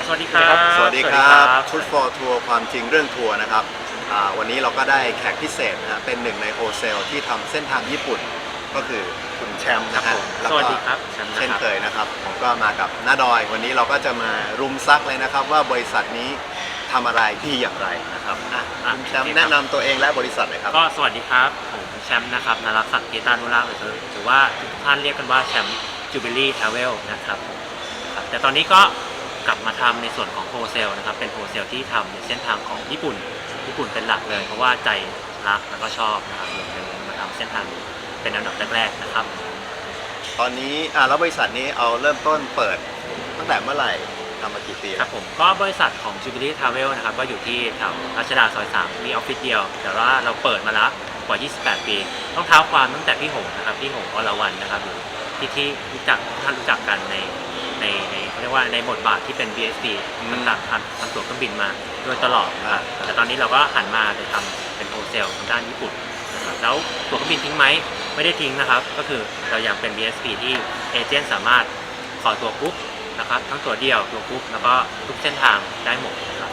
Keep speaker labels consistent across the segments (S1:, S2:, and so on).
S1: สวัสดีครับ
S2: สวัสดีครับชุด for ทัวร์ความจริงเรื่องทัวร์นะครับวันนี้เราก็ได้แขกพิเศษนะฮะเป็นหนึ่งในโฮเซลที่ทำเส้นทางญี่ปุ่นก็คือคุณแชมป์นะฮะแล้ว
S1: ส
S2: ก็
S1: วัสดีครับแชมป์นะ
S2: เช่น
S1: ครับ
S2: เคยนะครับผมก็มากับน้าดอยวันนี้เราก็จะมารุมซักเลยนะครับว่าบริษัทนี้ทำอะไรที่อย่างไรนะครับคุณแชมป์แนะนำตัวเองและบริษัทหน่อยครับ
S1: ก็สวัสดีครับผมแชมป์นะครับนรักศักดิ์เกตานุราชหรือว่าทุกท่านเรียกกันว่าแชมป์จูบิลี่ทราเวลนะครับแต่ตอนนี้ก็กลับมาทำในส่วนของโฮเซลนะครับเป็นโฮเซลที่ทำในเส้นทางของญี่ปุ่นเป็นหลักเลยเพราะว่าใจรักแล้วก็ชอบนะครับเลยมาทำเส้นทางนี้เป็นอันดับแรกๆนะครับ
S2: ตอนนี้แล้วบริษัทนี้เอาเริ่มต้นเปิดตั้งแต่เมื่อไหร่ทำมากี่ปี
S1: ครับผมก็บริษัทของ Jubilee Travel นะครับก็อยู่ที่แถวรัชดาซอย3มีออฟฟิศเดียวแต่ว่าเราเปิดมาแล้วกว่า28 ปีต้องเท้าความตั้งแต่พี่หงนะครับพี่หงอรวรรณนะครับอยู่ที่รู้จักท่านรู้จักกันในเรียกว่าในบทบาทที่เป็น BSC ต่างๆทำตั๋วเครื่องบินมาโดยตลอดนะครับแต่ตอนนี้เราก็หันมาจะทำเป็นโฮเซลทางด้านญี่ปุ่นนะครับแล้วตั๋วเครื่องบินทิ้งไหมไม่ได้ทิ้งนะครับก็คือเรายังเป็น BSC ที่เอเจนต์สามารถขอตั๋วปุ๊บนะครับทั้งตัวเดียวตัวกรุ๊ปแล้วก็ทุกเส้นทางได้หมดนะครับ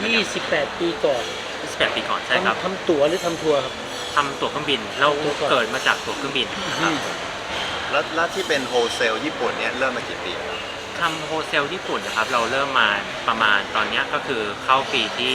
S3: 28 ปีก่อน
S1: 28 ปีก่อนใช่ครับ
S3: ทำตั๋วหรือทำทัวร์ครับ
S1: ทำตั๋วเครื่องบินเราเกิดมาจากตั๋วเครื่องบินนะครับ
S2: แล้วที่เป็นโฮเซลญี่ปุ่นเนี่ยเริ่มมากี่ปีแล้ว
S1: ทำโฮเซลญี่ปุ่นนะครับเราเริ่มมาประมาณตอนนี้ก็คือเข้าปีที่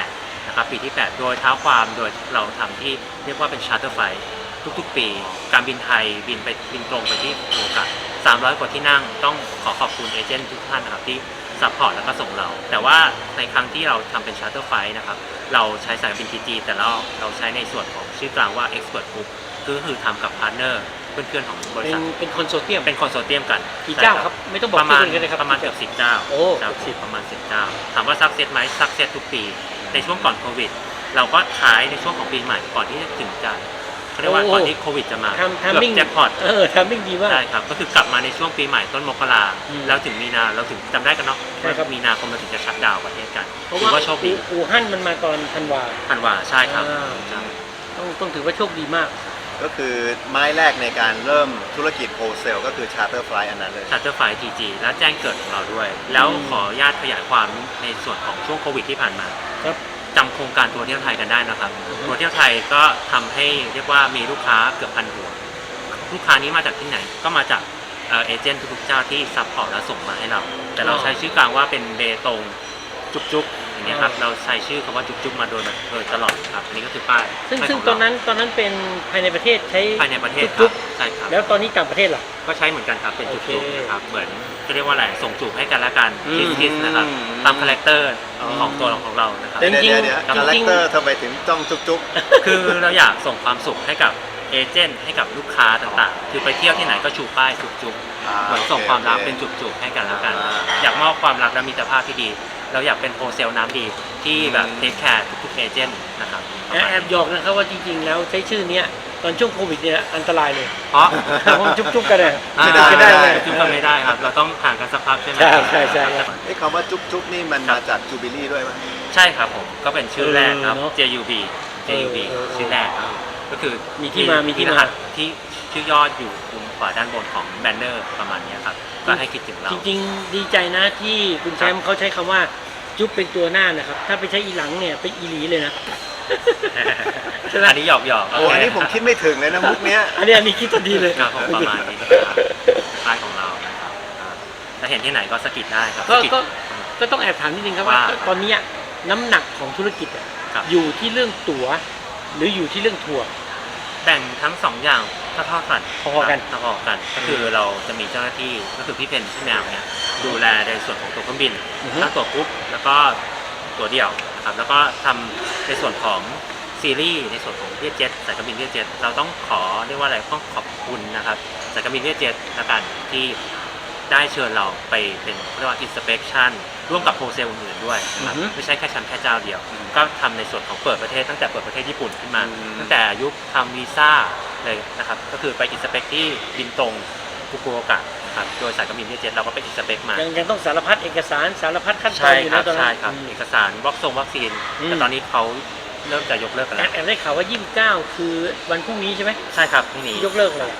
S1: 8นะครับปีที่8โดยเท้าความโดยเราทำที่เรียกว่าเป็นชาร์เตอร์ไฟล์ทุกๆปีการบินไทยบินตรงไปที่โอกาส300 กว่าที่นั่งต้องขอบคุณเอเจนต์ทุกท่านนะครับที่ซัพพอร์ตแล้วก็ส่งเราแต่ว่าในครั้งที่เราทำเป็นชาร์เตอร์ไฟล์นะครับเราใช้สายการบิน TG แต่เราใช้ในส่วนของชื่อกลางว่า Expert Group ก็คือทำกับพาร์ทเนอร์เพื่อนๆของบริษัท
S3: เป็นคอนโซเทียม
S1: กัน
S3: กี่เจ้าครับไม่ต้องบอก
S1: ประมาณ
S3: กันเลยครับ
S1: ประมาณเกือบ10 เจ้า
S3: โอ้
S1: ประมาณ10 เจ้าถามว่าซักเซสไหมซักเซสทุกปีในช่วงก่อนโควิดเราก็ขายในช่วงของปีใหม่ก่อนที่จะถึงจะเขาเรียกว่าก่อนที่โควิดจะมา
S3: ทำมิ่ง
S1: แจ็คพอต
S3: ทำมิ่งดีมาก
S1: ใช่ครับก็คือกลับมาในช่วงปีใหม่ต้นมกราแล้วถึงมีนาเราถึงจำได้กันเนาะว่ามีนาคมเราถึงจะชัตดาวน์ประเทศกันถือว่าโชคดี
S3: อู่ฮั่นมันมาตอนธันวา
S1: ใช่ครับ
S3: ต้องถือว่าโชคดีมาก
S2: ก็คือไม้แรกในการเริ่มธุรกิจโฮเซลก็คือชาร์เตอร์ไฟล์อันนั้นเลย
S1: ชาร์เตอร์ไฟล์ TG และแจ้งเกิดของเราด้วยแล้วขออนุญาตขยายความในส่วนของช่วงโควิดที่ผ่านมาจำโครงการทัวร์เที่ยวไทยกันได้นะครับทัวร์เที่ยวไทยก็ทำให้เรียกว่ามีลูกค้าเกือบ1,000 หัวลูกค้านี้มาจากที่ไหนก็มาจากเอเจนต์ทุกๆเจ้าที่ซัพพอร์ตและส่งมาให้เราแต่เราใช้ชื่อกลางว่าเป็นเบตงจุกอย่างเงี้ยครับเราใช้ชื่อคำว่าจุกมาโดยตลอดครับนี่ก็คือป้าย
S3: ซึ่งตอนนั้นเป็นภายในประเทศใช้
S1: ภายในประเทศครับใช่ครับ
S3: แล้วตอนนี้ต่างประเทศล่ะ
S1: ก็ใช้เหมือนกันครับเป็นจุกนะครับเหมือนจะเรียกว่าอะไรส่งจูบให้กันและกันคิสนะครับตามคาแรคเตอร์ของตัวของเรานะครับ
S2: จริงคาแรคเตอร์ทำไมถึงต้องจุก
S1: คือเราอยากส่งความสุขให้กับเอเจนต์ให้กับลูกค้าต่างๆคือไปเที่ยวที่ไหนก็ชูป้ายจุกเหมือนส่งความรักเป็นจุกให้กันแล้วกันอยากมอบความรักและมิตรภาพที่ดีเราอยากเป็นโฮเซลน้ำดีที่แบบเทคแคร์ทุกๆเอเจนต์นะครับ
S3: แอบหยอกนะครับว่าจริงๆแล้วใช้ชื่อนี้ตอนช่วงโควิดเนี่ยอันตรายเลย
S1: เพราะ
S3: ผมจุ๊บกันเลย
S1: ไม่ได้จุ๊บกันไม่ได้ครับเราต้องห่างกันสักพักใช่ไหม
S3: ใช่
S2: คำว่าจุ๊บนี่มันมาจากจูบิลี่ด้วยไหม
S1: ใช่ครับผมก็เป็นชื่อแรกครับ JUB ชื่อแรกครับก็คือ
S3: มีที่มา
S1: ที่ชื่อยอดอยู่มุมขวาด้านบนของแบนเนอร์ประมาณนี้ครับก็ให้คิดถึงเรา
S3: จริงๆดีใจนะที่คุณแชมป์เขาใช้คำว่าจุ๊บเป็นตัวหน้านะครับถ้าไปใช้อีหลังเนี่ยเป็นอีหลีเลยนะ
S1: อันนี้หยอก
S2: โอ้อันนี้ผมคิดไม่ถึงเลยนะมุกเนี้ย
S3: อันนี้คิดจะดีเลย
S1: ครับประมาณนี้นะครับป้ายของเรานะครับถ้าเห็นที่ไหนก็สกิดได้ครับ
S3: ก็ต้องแอบถามนิดนึงครับว่าตอนนี้น้ำหนักของธุรกิจอยู่ที่เรื่องตั๋วหรืออยู่ที่เรื่องทัวร์
S1: แบ่งทั้ง2 อย่างเท่ากัน
S3: พอกัน
S1: ก็คือเราจะมีเจ้าหน้าที่ก็คือพี่เพนพี่แมวเนี่ยดูแลในส่วนของตั๋วเครื่องบินทั้งตั๋วกรุ๊ปแล้วก็ตั๋วเดี่ยวนะครับแล้วก็ทำในส่วนของซีรีส์ในส่วนของเวียดเจ็ตสายการบินเวียดเจ็ตเราต้องขอเรียกว่าอะไรต้องขอบคุณนะครับสายการบินเวียดเจ็ตละกันที่ได้เชิญเราไปเป็นเรียกว่า inspection ร่วมกับโฮเซลอื่นๆด้วยนะครับไม่ใช่แค่ชั้นแค่เจ้าเดียวก็ทำในส่วนของเปิดประเทศตั้งแต่เปิดประเทศญี่ปุ่นขึ้นมาตั้งแต่ยุคทำวีซ่าเลยนะครับก็คือไปอินสเปคที่บินตรงฟุกุโอกะนะครับโดยสายการบินเวียดเจ็ตเราก็ไปอินสเปคมา
S3: ยังต้องสารพัดเอกสารสารพัดขั้นตอนอยู่นะตอน
S1: นั้นใช่ครับเอกสารวัคซีนแต่ตอนนี้เขาเริ่มจะยกเลิกกันแล้ว
S3: แอบได้ข่าวว่า29คือวันพรุ่งนี้ใช่ไหม
S1: ใช่ครับพรุ่งนี้
S3: ยกเลิกเลย
S1: ก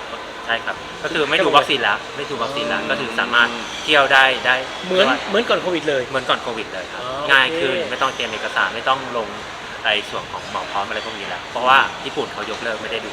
S1: ใช่ครับก็คือไม่ดูวัคซีนแล้วก็คือสามารถเที่ยวได้
S3: เหมือนก่อนโควิดเลย
S1: เหมือนก่อนโควิดเลยครับ
S3: อ๋อ
S1: ง่าย
S3: โอเค
S1: ขึ้นไม่ต้องเตรียมเอกสารไม่ต้องลงไอ้ส่วนของหมอพร้อมอะไรพวกนี้แล้วเพราะว่าญี่ปุ่นเขายกเลิกไม่ได้ดู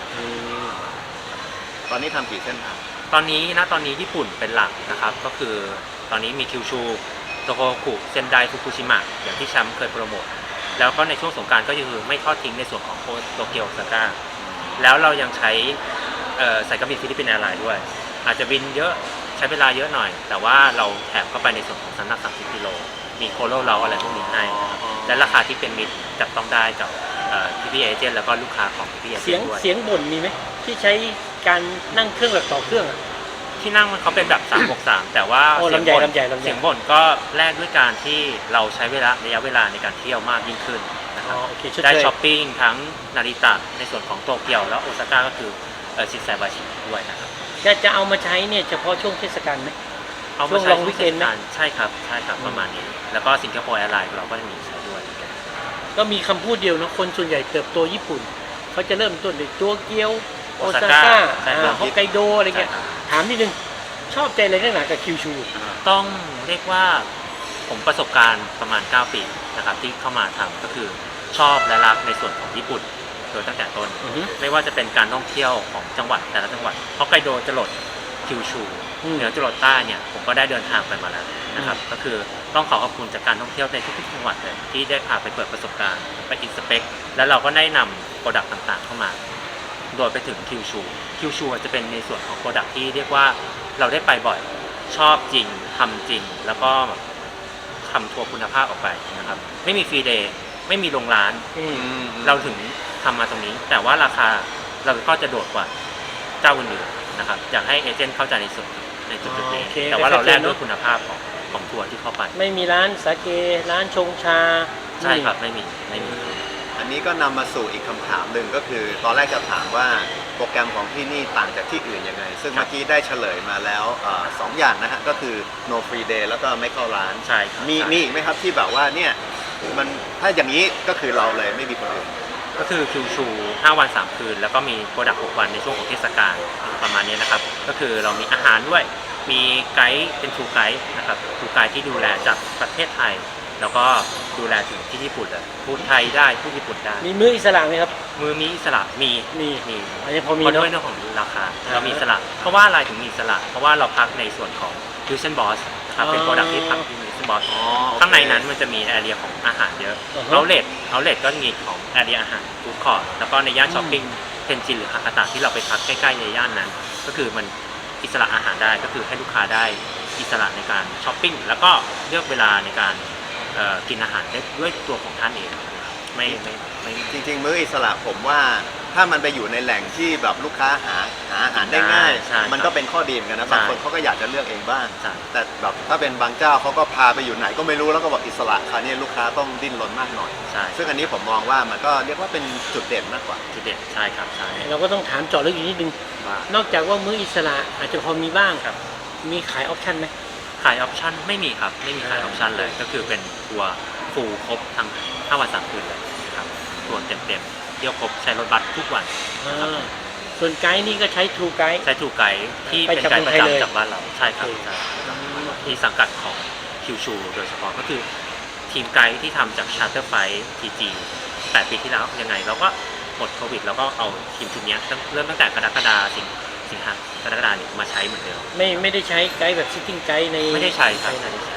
S2: ตอนนี้ทำกี่เส้นทาง
S1: ตอนนี้ญี่ปุ่นเป็นหลักนะครับก็คือตอนนี้มีคิวชูโตโฮกุเซนไดฟุกุชิมะอย่างที่แชมป์เคยโปรโมทแล้วก็ในช่วงสงกรานต์ก็คือไม่ทอดทิ้งในส่วนของโตเกียวโอซาก้าแล้วเรายังใช้สายการบินฟิลิปปินส์แอร์ไลน์ด้วยอาจจะบินเยอะใช้เวลาเยอะหน่อย แต่ว่าเราแถมเข้าไปในส่วนของน้ำหนัก30กิโลมีโคโลเราอะไรพวกนี้ให้นะครับและราคาที่เป็นมิตรจับต้องได้กับพี่เอเจนต์แล้วก็ลูกค้าของพี่เอเจ
S3: เสีย
S1: น
S3: ง
S1: ต์ด้วย
S3: เสียงบ่นมีไหมที่ใช้การนั่งเครื่องแบบต่อเครื่องอะ
S1: ที่นั่งมันเขาเป็นแบบ363แต่ว่า
S3: โอ้
S1: เสียง
S3: ลำใหญ่
S1: บ่น
S3: ลำใหญ่ลำใหญ่
S1: เสียงบ่นก็แลกด้วยการที่เราใช้ระยะเวลาในการเที่ยวมากยิ่งขึ้นนะครับ
S3: โอเคชด
S1: ได้
S3: เชย
S1: ช้อปปิ้งทั้งนาริตะในส่วนของโตเกียวแล้วโอซาก้าก็คือชินไซบาชิด้วยนะครับ
S3: จะเอามาใช้เนี่ยเฉพาะช่วงเทศกาลไหม
S1: เอา
S3: ช่
S1: มาว
S3: ง
S1: ใช้
S3: long weekend ไหม
S1: ใช่ครับประมาณนี้แล้วก็สิงคโปร์แอร์ไลน์เราก็จะมีใช้ด้วยเหมือนกัน
S3: ก็มีคำพูดเดียวนะคนส่วนใหญ่เติบโตญี่ปุ่นเขาจะเริ่มต้นด้วยโตเกียวโอซาก้าฮอกไกโดอะไรเงี้ย
S1: ใช่ครับ
S3: ถามนิดนึงชอบใจอะไรนักหนากับคิวชู
S1: ต้องเรียกว่าผมประสบการณ์ประมาณ 9 ปีนะครับที่เข้ามาทำก็คือชอบและรักในส่วนของญี่ปุ่นโดยตั้งแต่ต้น ไม่ว่าจะเป็นการท่องเที่ยวของจังหวัดแต่ละจังหวัดฮอกไกโดจรดคิวชูเหนือจรดใต้เนี่ยผมก็ได้เดินทางไปมาแล้วนะครับก็คือต้องขอบคุณจากการท่องเที่ยวในทุกๆจังหวัดเลยที่ได้พาไปเปิดประสบการณ์ไปอินสเปกแล้วเราก็ได้นำโปรดักต์ต่างๆเข้ามาโดยไปถึงคิวชูจะเป็นในส่วนของโปรดักต์ที่เรียกว่าเราได้ไปบ่อยชอบจริงทำจริงแล้วก็ทำทัวร์คุณภาพออกไปนะครับไม่มีฟรีเดย์ไม่มีโรงร้าน เราถึงทำมาตรงนี้แต่ว่าราคาเราก็จะโดดกว่าเจ้าอื่นๆนะครับอยากให้เอเจนต์เข้าใจในจุดนี้
S3: โอเค
S1: แต่ว่าเราแลกด้วย
S3: เนอะ
S1: คุณภาพของทัวร์ที่เข้าไป
S3: ไม่มีร้านสาเกร้านชงชา
S1: ใช่ครับไม่มี
S2: อันนี้ก็นำมาสู่อีกคำถามหนึ่งก็คือ ตอนแรกจะถามว่าโปรแกรมของที่นี่ต่างจากที่อื่นยังไง ซึ่งเมื่อกี้ได้เฉลยมาแล้วสองอย่างนะฮะก็คือ no free day แล้วก็ไม่เข้าร้าน
S1: ใช่ครับ
S2: มี
S1: ใช่
S2: อีกไหมครับที่แบบว่าเนี่ยมันถ้าอย่างนี้ก็คือเราเลยไม่มีคนอื่น
S1: ก็คือคิวชู5 วัน 3 คืน แล้วก็มีโปรดักต์6 วันในช่วงของเทศกาลประมาณนี้นะครับก็คือเรามีอาหารด้วยมีไกด์เป็นทูไกด์นะครับทูไกด์ที่ดูแลจากประเทศไทย แล้วก็ดูแลถึงที่ญี่ปุ่นเลยพูดไทยได้พูดญี่ปุ่นได้
S3: มีมื้ออิสระไหมครับ
S1: มือมีอิสระมี
S3: อันนี้พอมี
S1: เพราะ
S3: เนาะ
S1: ด้วยเรื่องของราคาเรามีอิสระเพราะว่าอะไรถึงมีอิสระเพราะว่าเราพักในส่วนของ Fusion Boss นะครับเป็นโปรดักที่พักที่ Fusion Boss ข้างในนั้นมันจะมีแอเรียของอาหารเยอะเอาเลทก็มีของแอเรียอาหารฟู้ดคอร์ทแล้วก็ในย่านช้อปปิ้งเทนจินหรือฮากาตะที่เราไปพักใกล้ๆในย่านนั้น ก็คือมันอิสระอาหารได้ก็คือให้ลูกค้าได้อิสระในการช้อปปิ้งแล้วก็เลือกเวลาในการกินอาหารได้ด้วยตัวของท่านเองไม่
S2: จริงๆมื้ออิสระผมว่าถ้ามันไปอยู่ในแหล่งที่แบบลูกค้าหาอาหารได้ง่าย
S1: ใช่
S2: มันก็เป็นข้อดีเหมือนกันนะ
S1: ใช่
S2: บางคนเขาก็อยากจะเลือกเองบ้าง
S1: ใช่
S2: แต่แบบถ้าเป็นบางเจ้าเขาก็พาไปอยู่ไหนก็ไม่รู้แล้วก็บอกอิสระคราวนี้ลูกค้าต้องดิ้นรนมากหน่อย
S1: ใช่
S2: ซึ่งอันนี้ผมมองว่ามันก็เรียกว่าเป็นจุดเด่นมากกว่า
S1: จุดเด่นใช่ครับใช่
S3: เราก็ต้องถามเจาะลึกอีกนิดนึง
S1: ว่าน
S3: อกจากว่ามื้ออิสระอาจจะพอมีบ้าง
S1: ครับ
S3: มีขายออปชั่นไหม
S1: ขายออปชั่นไม่มีครับไม่มีขายออปชั่นเลยก็คือเป็นทัวร์ฟูลครบทั้ง5 วัน 3 คืนเลยนะครับทัวร์เต็มๆเที่ยวครบใช้รถบัสทุกวันนะครับ
S3: ส่วนไกด์นี่ก็ใช้ทูไกด์
S1: ใช้ทูไกด์ที่
S3: ไป
S1: เป็น
S3: จาก
S1: ไกด์ประ
S3: เมืองไทยเลย
S1: จำจากบ้านเราใช่ครับ
S3: โอเค
S1: ใช่ครับที่สังกัดของคิวชูโดยเฉพาะก็คือทีมไกด์ที่ทำจากชาร์เตอร์ไฟทีจี8 ปีที่แล้วยังไงเราก็หมดโควิดเราก็เอาทีมชุดนี้เริ่มตั้งแต่กรกฎาคมสิงหากรกฎาคมมาใช้เหมือนเดิม
S3: ไม่ได้ใช้ไกด์แบบซิทติ้งไกด์ใน
S1: ไม่ได้ใช้ครับไม่ได้ใช้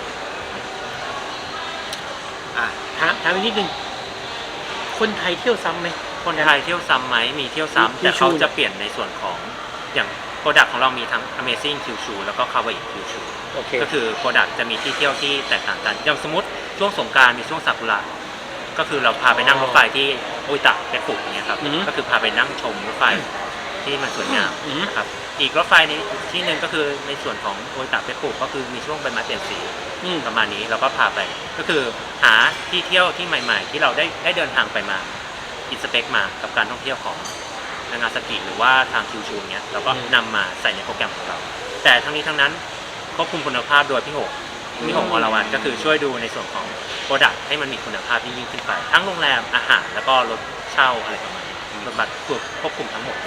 S2: อ่ะ
S3: ถามอีกนิดนึงคนไทยเที่ยวซ้ำไหม
S1: คนไทยเที่ยวซ้ำไหมมีเที่ยวซ้ำแต่เขาจะเปลี่ยนในส่วนของอย่างโปรดักต์ของเรามีทั้ง Amazing Kyushu แล้วก็ Kawaii Kyushu
S3: โอเค
S1: ก็คือโปรดักต์จะมีที่เที่ยวที่แตกต่างกันอย่างสมมติช่วงสงกรานต์มีช่วงซากุระก็คือเราพาไปนั่งรถไฟที่โออิตะเปปุอย่างเงี้ยครับก็คือพาไปนั่งชมรถไฟที่มันสวยงามนะครับอีกรถไฟในที่หนึ่งก็คือในส่วนของโออิตะเปปุก็คือมีช่วงใบไม้เปลี่ยนสี ประมาณนี้เราก็พาไปก็คือหาที่เที่ยวที่ใหม่ ๆ ที่เราได้เดินทางไปมาอินสเปกมากับการท่องเที่ยวของนางาซากิหรือว่าทางคิวชูเนี้ยเราก็นำมาใส่ในโปรแกรมของเรา แต่ทั้งนี้ทั้งนั้นควบคุมคุณภาพโดยพี่หกวรวันก็คือช่วยดูในส่วนของโปรดักต์ให้มันมีคุณภาพยิ่งขึ้นไป ทั้งโรงแรมอาหารแล้วก็รถเช่าอะไรประมาณนี้รถบัสควบคุมทั้งหมดเลย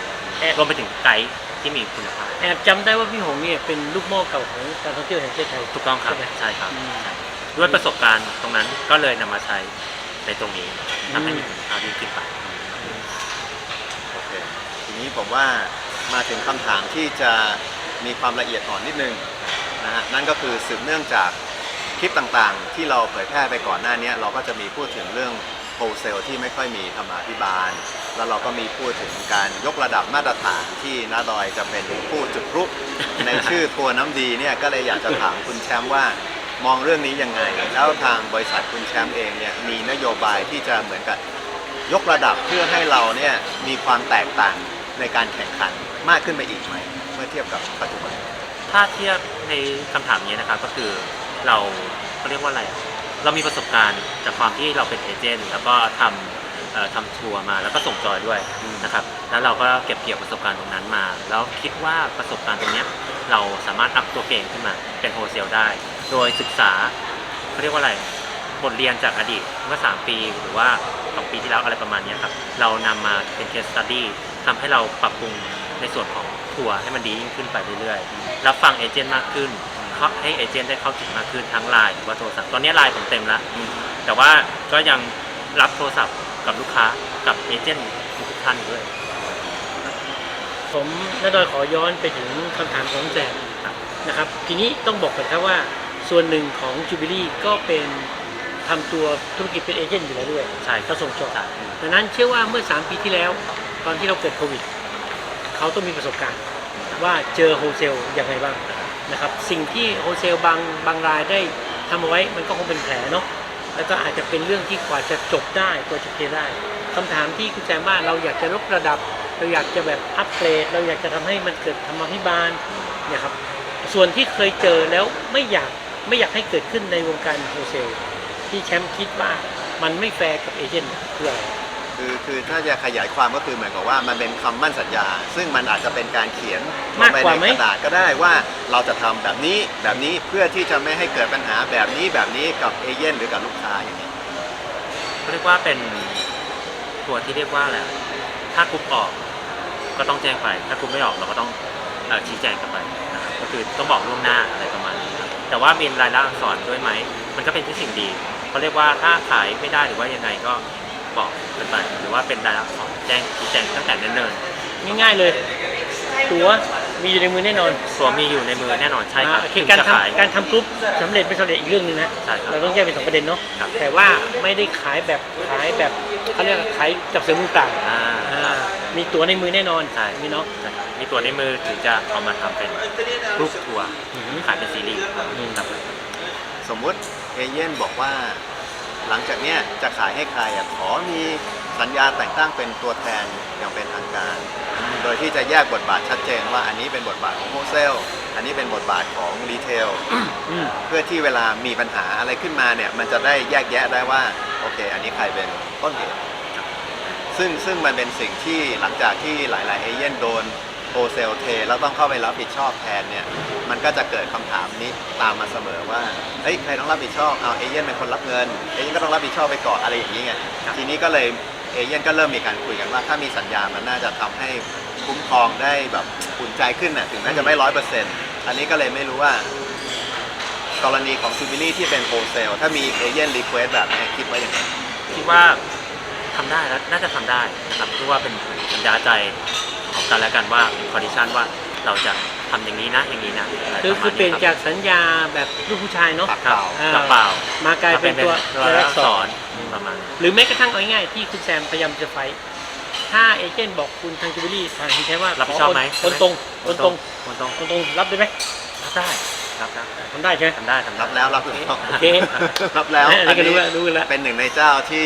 S1: รวมไปถึงไกด์ที่มีคุณภาพ
S3: แอบจำได้ว่าพี่หงเนี่ยเป็นลูกหม้อเก่าของการท่องเที่ยวแห่งประเทศไทย
S1: ถูกต้องครับ
S3: ใช่ไหม
S1: ใช่ครับ
S3: อืม
S1: ด้วยประสบการณ์ตรงนั้นก็เลยนำมาใช้ในตรงนี้ทำให้มีคุณภาพยิ่งขึ้นไป
S2: โอเค ทีนี้ผมว่ามาถึงคำถามที่จะมีความละเอียดอ่อนนิดนึงนะฮะนั่นก็คือสืบเนื่องจากคลิปต่างๆ ที่เราเผยแพร่ไปก่อนหน้านี้เราก็จะมีพูดถึงเรื่องโฮลเซลที่ไม่ค่อยมีธรรมาภิบาล แล้วเราก็มีพูดถึงการยกระดับมาตรฐานที่น้าดอยจะเป็นผู้จุดพลุในชื่อทัวร์น้ำดีเนี่ยก็เลยอยากจะถามคุณแชมป์ว่ามองเรื่องนี้ยังไง แล้วทางบริษัทคุณแชมป์เองเนี่ยมีนโยบายที่จะเหมือนกับยกระดับเพื่อให้เราเนี่ยมีความแตกต่างในการแข่งขันมากขึ้นไปอีกไหมเมื่อเทียบกับปัจจุบัน
S1: ถ้าเทียบในคำถามนี้นะครับก็คือเราเขาเรียกว่าอะไรอะเรามีประสบการณ์จากความที่เราเป็นเอเจนต์แล้วก็ทำทัวร์มาแล้วก็ส่งจอยด้วยนะครับแล้วเราก็เก็บเกี่ยวประสบการณ์ตรงนั้นมา แล้วคิดว่าประสบการณ์ตรงเนี้ยเราสามารถอัพตัวเก่งขึ้นมาเป็นโฮเซลได้ โดยศึกษาเขาเรียกว่าอะไรบทเรียนจากอดีตเมื่อ3 ปีหรือว่า2 ปีที่แล้วอะไรประมาณเนี้ยครับเรานำมาเป็น case study ทำให้เราปรับปรุงในส่วนของทัวร์ให้มันดียิ่งขึ้นไปเรื่อยๆรับฟังเอเจนต์มากขึ้นให้เอเจนต์ได้เข้าถึงมากขึ้นทั้งไลน์หรือว่าโทรศัพท์ตอนนี้ไลน์ผมเต็มแล้วแต่ว่าก็ยังรับโทรศัพท์กับลูกค้ากับเอเจนต์ทุกท่านด้วย
S3: ผมน้าดอยขอย้อนไปถึงคำถามของแซมนะครับทีนี้ต้องบอกกันครับว่าส่วนหนึ่งของจูบิลี่ก็เป็นทำตัวธุรกิจเป็นเอเจนต์อยู่แล้วด้วย
S1: ใช่
S3: ก็ส่งจอด
S1: ใช่
S3: ดังนั้นเชื่อว่าเมื่อ3 ปีที่แล้วตอนที่เราเกิดโควิดเขาต้องมีประสบการณ์ว่าเจอโฮเซลอย่างไรบ้างนะครับสิ่งที่โฮเซลบางรายได้ทำเอาไว้มันก็คงเป็นแผลเนาะแล้วก็อาจจะเป็นเรื่องที่กว่าจะจบได้กว่าจะเคลียร์ได้คำถามที่คุณแจมว่าเราอยากจะลดระดับเราอยากจะแบบอัปเกรดเราอยากจะทำให้มันเกิดธรรมาภิบาลเนี่ยครับส่วนที่เคยเจอแล้วไม่อยากให้เกิดขึ้นในวงการโฮเซลที่แชมป์คิดว่ามันไม่แฟร์กับเอเจนต์คืออะไร
S2: คือถ้าจะขยายความก็คือเหมือนกับว่ามันเป็นคำมั่นสัญญา ซึ่งมันอาจจะเป็นการเขียนล
S3: มาง ก
S2: ไป
S3: กว่า
S2: ใน
S3: ไหม
S2: กระดาษก็ได้ว่าเราจะทำแบบนี้เพื่อที่จะไม่ให้เกิดปัญหาแบบนี้กับเอเย่นหรือกับลูกค้าอย่างนี้
S1: เขาเรียกว่าเป็นทัวร์ที่เรียกว่าอะไรถ้ากรุ๊ปออกก็ต้องแจ้งไปถ้ากรุ๊ปไม่ออกเราก็ต้องชี้แจงกันไปนะครับก็คือต้องบอกล่วงหน้าอะไรประมาณนี้ครับแต่ว่าเป็นรายละอักษรด้วยไหมมันก็เป็นที่สิ่งดีเขาเรียกว่าถ้าขายไม่ได้หรือว่ายังไงก็บอกกันไปหรือว่าเป็นรายละอักษรแจ้งชี้แจงตั้งแต่เนิ่น
S3: ง่ายๆเลยตั๋วมีอยู่ในมือแน่นอน
S1: ๆตัวมีอยู่ในมือแน่นอนใช่ครับ
S3: โอเค
S1: ถึง
S3: การ
S1: จะขาย
S3: ทำการทำกรุ๊ปสำเร็จไม่สำเร็จอีกเรื่องหนึงนะ
S1: ใช่ครับ
S3: เราต้องแยกเป็น2 ประเด็นเนาะ
S1: ครับ
S3: แต่ว่าไม่ได้ขายแบบเขาเรียกว่าขายจับเสือมือเปล่า
S1: อ่า
S3: มีตั๋วในมือแน่นอน
S1: ใช่
S3: มีเนาะ
S1: ใช่ครับมีตัวในมือถึงจะเอามาทำเป็นกรุ๊ปทัวร์ขายเป็นซีรีส์ครับ
S2: สมมุติเอเย่นบอกว่าหลังจากเนี้ยจะขายให้ใครขอมีสัญญาแต่งตั้งเป็นตัวแทนอย่างเป็นทางการ โดยที่จะแยกบทบาทชัดเจนว่าอันนี้เป็นบทบาทของโฮเซลอันนี้เป็นบทบาทของรีเทล
S3: อืม
S2: เพื่อที่เวลามีปัญหาอะไรขึ้นมาเนี่ยมันจะได้แยกแยะได้ว่าโอเค อันนี้ใครเป็นต้นเหตุซึ่งมันเป็นสิ่งที่หลังจากที่หลายๆเอเย่นโดนโฮเซลเทแล้วต้องเข้าไปรับผิดชอบแทนเนี่ยมันก็จะเกิดคำถามนี้ตามมาเสมอว่าเฮ้ยใครต้องรับผิดชอบเอาเอเย่นเป็นคนรับเงินเอเย่นก็ต้องรับผิดชอบไปก่อนอะไรอย่างนี้ไงทีนี้ก็เลยเอเย่นก็เริ่มมีการคุยกันว่าถ้ามีสัญญามันน่าจะทำให้คุ้มครองได้แบบอุ่นใจขึ้นน่ะถึงแม้จะไม่ 100%อันนี้ก็เลยไม่รู้ว่ากรณีของซูบิลี่ที่เป็นโฮเซลถ้ามีเอเย่นรีเควสแบบนี้คิดว่าอย่างไร
S1: คิดว่าทำได้แล้วน่าจะทำได้นะครับเพราะว่าเป็นสัญญาใจของกันและกันว่าเป็นคอนดิชันว่าเราจะทำอย่างนี้นะอย่างนี้นะะไร
S3: คือ
S1: ระมาณ
S3: เปลี่ยน
S1: ครับ
S3: จากสัญญาแบบลูกผู้ชายเนาะ
S2: ปาก
S1: ครับ
S3: อ่า
S1: กระเป๋าม
S3: ากลายเป็นตัว
S1: รายลักษ
S3: ร
S1: รประมาณนั้น
S3: หรือแม้กระทั่งเอาง่ายๆที่คุณแซมพยายามจะไฟท์ถ้าเอเจนต์บอกคุณทางจูบิลี่ทางคุณใช้ว่า
S1: รับผิดชอบไหม
S3: คนตรงคนตรง
S1: คนตรง
S3: คนตรงรับได้ไหม
S1: รับได้รับได้
S3: ทำได้ใช่ไหม
S1: ทำได้ทำได้
S2: รับแล้ว
S3: โอเค
S2: รับแล้ว
S3: อันนี้ก็รู้แล้วรู้แล้ว
S2: เป็นหนึ่งในเจ้าที่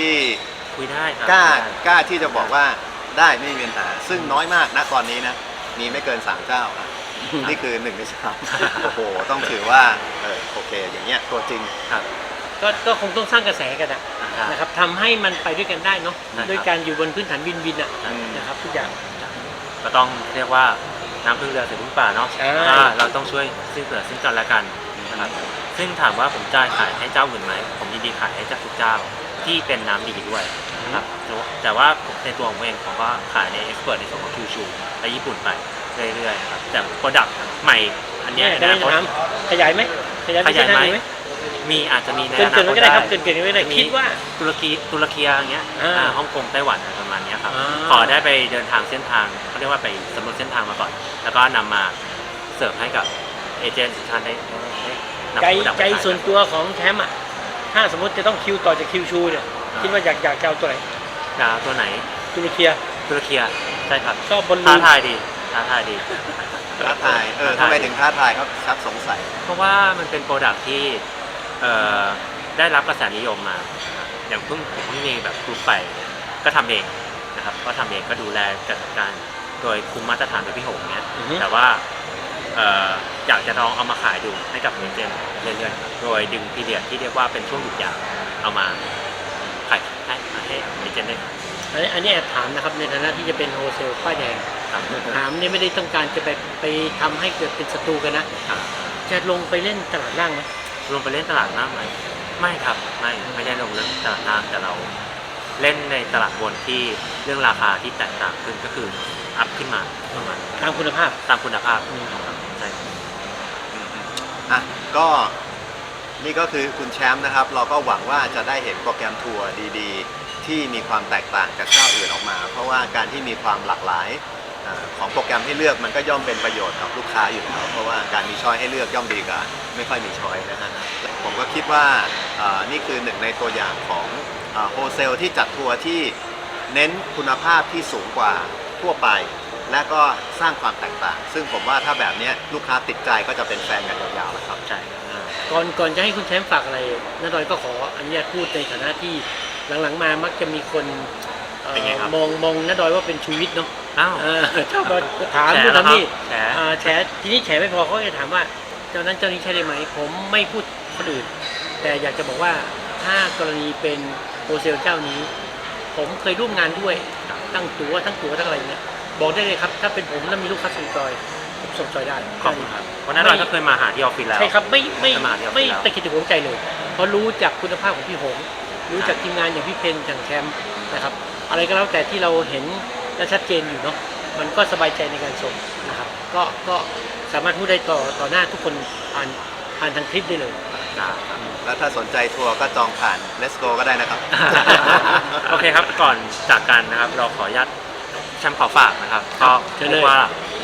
S1: คุยได้ครับ
S2: กล้าที่จะบอกว่าได้ไม่มีปัญหาซึ่งน้อยมากนะตอนนี้นะมีไม่เกิน3เจ้านี่คือ1ใน3โอ้โหต้องถือว่าโอเคอย่างเงี้ยตัวจริง
S1: ครับ
S3: ก็คงต้องสร้างกระแสกันนะ
S1: ครับ
S3: นะครับทำให้มันไปด้วยกันได้เนาะ
S1: ครับ
S3: ด้วยการอยู่บนพื้นฐานวินอ่ะ
S2: อืม
S3: นะครับทุกอย่าง
S1: ก็ต้องเรียกว่าน้ำพึ่งเรือเสือพึ่งป่าเนาะ
S3: ใช่
S1: เราต้องช่วยซึ่งเหลือซึ่งกันและกันนะครับซึ่งถามว่าผมจะขายให้เจ้าอื่นไหมผมยินดีขายให้เจ้าทุกเจ้าที่เป็นน้ำดีด้วยนะครับแต่ว่าในตัวของผมเองผมก็ขายในเอ็กซ์เพรสในส่วนของคิวชูไปญี่ปุ่นไปเรื่อยๆนะครับแต่โปรดักต์ใหม่อันเนี้ย
S3: จะ
S1: นะ
S3: ถามขยายไหมขยาย
S1: ขยายไหม
S3: ไหม
S1: มีอาจจะมีใน
S3: เกิ
S1: อน นา
S3: ๆ
S1: ค
S3: ไว้
S1: ต
S3: ก็ได้
S1: ได้
S3: ครับเกินๆไว้ก็ได้คิดว่า
S1: ตุรกีอย่างเงี้ย ฮ่องกงไต้หวันอะไรประมาณเนี้ยครับ
S3: อ่า
S1: ขอได้ไปเดินทางเส้นทางเขาเรียกว่าไปสำรวจเส้นทางมาก่อน แล้วก็นำมาเสิร์ฟให้กับเอเจนต์ทุกท่านได้นำ
S3: ใจ
S1: โปรดักต์
S3: ใจ
S1: ไปขาย
S3: ส่วนตัวของแชมป์อ่ะถ้าสมมติจะต้องคิวต่อจากคิวชูเนี่ยคิดว่าอยากจะเอาตัวไหน
S1: ดาวตัวไหน
S3: ตุรเคีย
S1: ตุรกีใช่ครับ
S3: ชอบบอลลู
S1: ท้าน ทายดีท้าทายดี
S2: ท้าทายทำไมถึงท้าทายครับชักสงสัย
S1: เพราะว่ามันเป็นโปรดักที่ได้รับกระแสนิยมมาอย่างผมเพิ่งมีแบบกรุ๊ปไปก็ทำเองนะครับก็ทำเองก็ดูแลจัดการโดยคุมมาตรฐานโดยพี่หงเนี้ยแต่ว่าอยากจะลองเอามาขายดูให้กับเอเจนต์เรื่อยๆโดยดึงพีเรียดที่เรียกว่าเป็นช่วงหยุดยาวเอามาขายให้เอเจนต์ได้
S3: อันนี้แอบถามนะครับในฐานะที่จะเป็นโฮเซลป้ายแดง
S1: ครับ
S3: ถามเนี่ยไม่ได้ต้องการจะไปทำให้เกิดเป็นศัตรูกันนะ
S1: ครับ
S3: จะลงไปเล่นตลาดล่างไหม
S1: ลงไปเล่นตลาดล่างไหมไม่ครับไม่ได้ลงเล่นตลาดล่างแต่เราเล่นในตลาดบนที่เรื่องราคาที่แตกต่างขึ้นก็คืออัพขึ้นมาประมาณ
S3: ตามคุณภาพ
S1: ตามคุณภาพครับใช่
S2: อ่ะก็นี่ก็คือคุณแชมป์นะครับ เราก็หวังว่าจะได้เห็นโปรแกรมทัวร์ดีๆ ที่มีความแตกต่างจากเจ้าอื่นออกมา เพราะว่าการที่มีความหลากหลายของโปรแกรมให้เลือกมันก็ย่อมเป็นประโยชน์กับลูกค้าอยู่แล้วเพราะว่าการมีช้อยให้เลือกย่อมดีกว่าไม่ค่อยมีช้อยนะฮะผมก็คิดว่านี่คือหนึ่งในตัวอย่างของโฮเซลที่จัดทัวร์ที่เน้นคุณภาพที่สูงกว่าทั่วไป และก็สร้างความแตกต่าง ซึ่งผมว่าถ้าแบบนี้ลูกค้าติดใจก็จะเป็นแฟนกันยาวๆแล้วครับ
S1: ใช่
S3: ก่อนจะให้คุณแชมป์ฝากอะไรน้าดอยก็ขออนุญาตพูดในฐานะที่หลังๆมามักจะมีคนมองน้าดอยว่าเป็นชูวิทย์เนาะ
S1: อ้าว
S3: ชอบถามนู่นถามนี่
S1: แฉ
S3: แฉทีนี้แฉไม่พอเขาจะถามว่าเจ้านั้นเจ้านี้ใช่ได้ไหมผมไม่พูดคนอื่นแต่อยากจะบอกว่าถ้ากรณีเป็นโฮเซลเจ้านี้ ผมเคยร่วมงานด้วยทั้งตัวทั้งอะไรเงี้ยบอกได้เลยครับถ้าเป็นผมแล้วมีลูกค้าส่งจอยผมส่งจอยได้
S1: ขอบคุณครับเพราะนั้นเราก็เคยมาหาที่ออฟฟิศแล้ว
S3: ใช่ครับไม่
S1: มาที่ออฟฟิศ
S3: ไม่
S1: แล้ว
S3: ตะกิดตะขวงใจเลยเพราะรู้จากคุณภาพของพี่หงรู้จากทีมงานอย่างพี่เพนอย่างแชมป์นะครับอะไรก็แล้วแต่ที่เราเห็นและชัดเจนอยู่เนาะมันก็สบายใจในการส่งนะครับก็สามารถพูดได้ต่อหน้าทุกคนผ่านทางคลิปได้เลย
S2: แล้วถ้าสนใจทัวร์ก็จองผ่าน Let's Go ก็ได้นะครับ
S1: โอเคครับก่อนจากกันนะครับเราขออนุญาตแชมป์ขอฝากนะครับก็เรียกว่า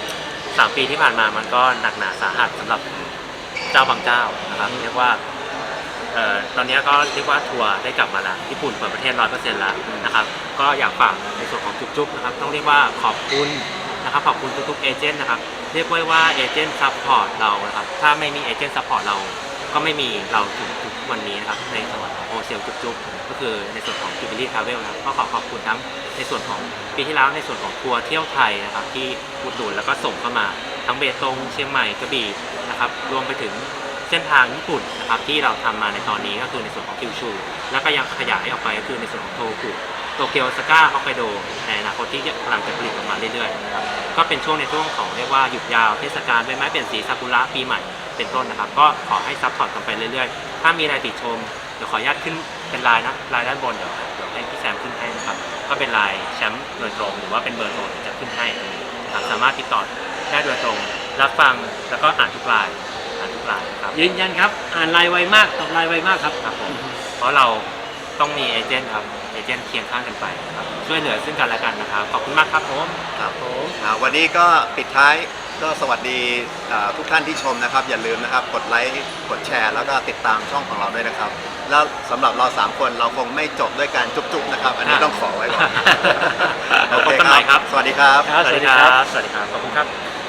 S1: 3 ปีที่ผ่านมามันก็หนักหนาสาหัสสำหรับเจ้าบางเจ้านะครับเรียกว่าตอนนี้ก็เรียกว่าทัวร์ได้กลับมาแล้วญี่ปุ่นเปิดประเทศ 100% แล้วนะครับก็อยากฝากในส่วนของจุ๊บๆนะครับต้องเรียกว่าขอบคุณนะครับขอบคุณทุกๆเอเจนต์นะครับเรียกว่าเอเจนต์ซัพพอร์ตเรานะครับถ้าไม่มีเอเจนต์ซัพพอร์ตเราก็ไม่มีเราถึงทุกวันนี้นะครับในส่วนของโฮเซลจุ๊บๆก็คือในส่วนของ Jubilee Travel นะครับก็ขอบคุณทั้งในส่วนของปีที่แล้วในส่วนของทัวร์เที่ยวไทยนะครับที่อุดหนุนแล้วก็ส่งเข้ามาทั้งเบตงเชียงใหม่กระบี่นะครับรวมไปถึงเส้นทางญี่ปุ่นนะครับที่เราทำมาในตอนนี้ก็คือในส่วนของคิวชูแล้วก็ยังขยายออกไปก็คือในส่วนของโทคุโตเกียวโอซาก้าฮอกไกโดในอนาคตที่กำลังจะผลิตออกมาเรื่อยๆนะครับก็เป็นช่วงในช่วงของเรียกว่าหยุดยาวเทศกาลใบไม้เปลี่ยนสีซากุระปีใหม่เป็นต้นนะครับก็ขอให้ซัพพอร์ตกันไปเรื่อยๆถ้ามีอะไรติดชมเดี๋ยวขออนุญาตขึ้นเป็นไลน์นะไลน์ด้านบนเดี๋ยวให้พี่แซมขึ้นให้นะครับก็เป็นไลน์แชมป์โดยตรงหรือว่าเป็นเบอร์โทรจะขึ้นให้นะครับสามารถติดต่อได้โดยตรงรับฟังแล้วก็อ่านทุกไลน์ครับ
S3: ยืนยันครับอ่านไลน์ไวมากตอบไลน์ไวมากครับ
S1: ครับผมเพราะเราต้องมีเอเจนต์ครับเอเจนต์เคียงข้างกันไปครับช่วยเหลือซึ่งกันและกันนะครับขอบคุณมากครับผม
S2: ครับวันนี้ก็ปิดท้ายก็สวัสดีทุกท่านที่ชมนะครับอย่าลืมนะครับกดไลค์กดแชร์แล้วก็ติดตามช่องของเราด้วยนะครับแล้วสำหรับเรา3คนเราคงไม่จบด้วยการจุ๊บๆนะครับอันนี้ต้องขอไว้ก่อน
S1: พบกันใหม่ครับ
S2: สวัสดีครับ
S3: ครับ
S1: สวัสดีครับขอบคุณครับ